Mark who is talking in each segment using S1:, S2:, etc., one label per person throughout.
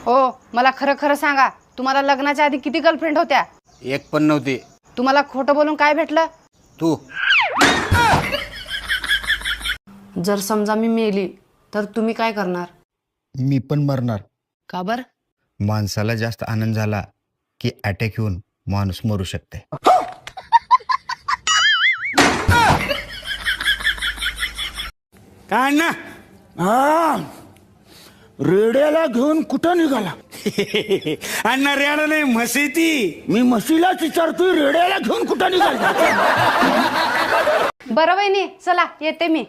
S1: हो, मला खरं खरं सांगा, तुम्हाला लग्नाच्या आधी किती गर्लफ्रेंड होत्या?
S2: एक पण नव्हती.
S1: तुम्हाला खोटं बोलून काय भेटलं?
S2: तू
S1: जर समजा मी मेली तर तुम्ही काय करणार?
S2: मी पण मरणार.
S1: का बर?
S2: माणसाला जास्त आनंद झाला की अटॅक येऊन माणूस मरू शकते.
S3: काय ना रेड्याला घेऊन कुठं निघाला? अण्णा रेडा नाही म्हशी ती. मी म्हशीलाच विचारतोय रेड्याला घेऊन कुठं निघाला?
S1: बरं वहिनी, चला येते मी.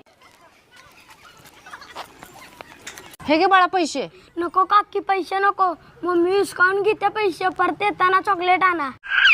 S1: हे घे बाळा पैसे.
S4: नको काकी, पैसे नको. मम्मी हिसकावून घेते पैसे, परत येताना चॉकलेट आणा.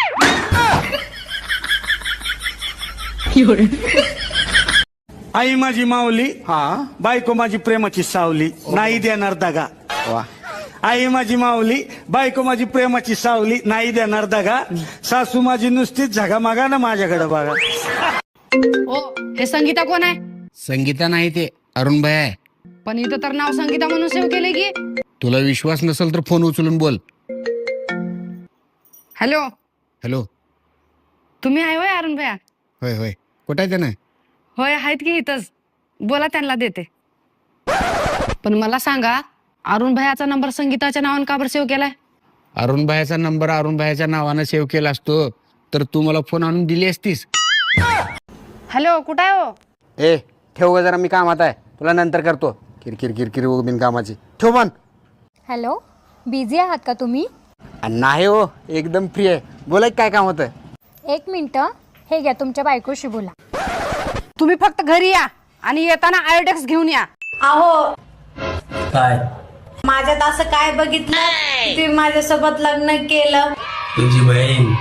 S3: आई माझी माऊली, बायको माझी प्रेमाची सावली, नाही देणार दगा.
S2: वा.
S3: आई माझी माऊली, बायको माझी प्रेमाची सावली, नाही देणार दगा. सासू माझी नुसतीच झगा मागा ना माझ्याकडे बघा.
S1: हो, हे संगीता कोण आहे?
S2: संगीता नाही, ते अरुण भाई आहे.
S1: पण इथं तर नाव संगीता म्हणून सेव्ह केले की.
S2: तुला विश्वास नसेल तर फोन उचलून बोल.
S1: Hello,
S2: hello.
S1: तुम्ही आहे होय अरुण भैया?
S2: होय होय. कुठं आहे त्यानं?
S1: होय, आहेत की इथंच. बोला, त्यांना देते. पण मला सांगा, अरुण भैयाचा नंबर संगीताच्या नावानं का बरं सेव्ह केलाय?
S2: अरुण भाईचा नंबर अरुण भाईच्या नावानं सेव्ह केला असतो तर तू मला फोन आणून दिली असतीस.
S1: हॅलो, कुठं आहे हो?
S2: ए ठेव ग जरा, मी कामात आहे, तुला नंतर करतो. किरकिर किरकिर बिन कामाची. ठेव पण.
S4: हॅलो, बिझी आहात का तुम्ही?
S2: नाही हो, एकदम फ्री आहे. बोला काय काम होतं?
S4: 1 मिनिट, हे घ्या, तुमच्या बायकोशी बोला.
S1: तुम्ही फक्त घरी या आणि येताना आयोडेक्स घेऊन या.
S5: अहो,
S6: काय
S5: माझ्यात असं काय बघितलं की तुम्ही माझ्यासोबत लग्न केलं?
S6: तुझी बहीण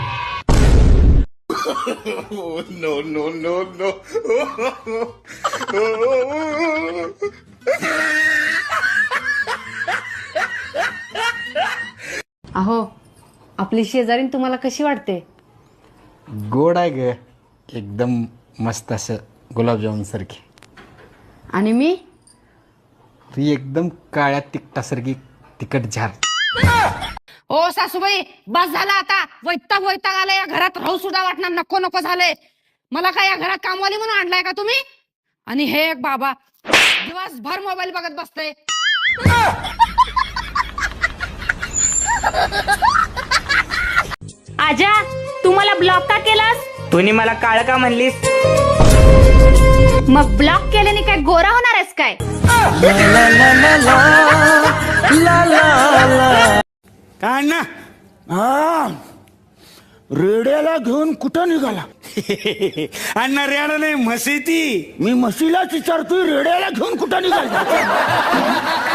S1: अहो, आपली शेजारीन तुम्हाला कशी वाटते?
S2: गोड आहे ग, एकदम मस्त, असं गुलाबजामुन सारखी.
S1: आणि मी?
S2: ती एकदम काळ्या तिखटासारखी तिखट झार.
S1: ओ सासूबाई, बस झाला आता. वैताग वैताग आलाय, या घरात राहू सुद्धा वाटणार, नको नको झालंय मला. काय या घरात कामवाली म्हणून आणलाय का तुम्ही? आणि हे एक बाबा दिवसभर मोबाईल बघत बसतय.
S5: आजा, तू मला ब्लॉक का केलास?
S6: तुम्ही मला काळ का म्हणलीस?
S5: मग ब्लॉक केल्याने काय गोरा होणार आहेस काय?
S3: काय ना रेड्याला घेऊन कुठं निघाला? अण्णा रेडा नाही म्हशी ती. मी म्हशीलाच विचारतोय रेड्याला घेऊन कुठं निघाला?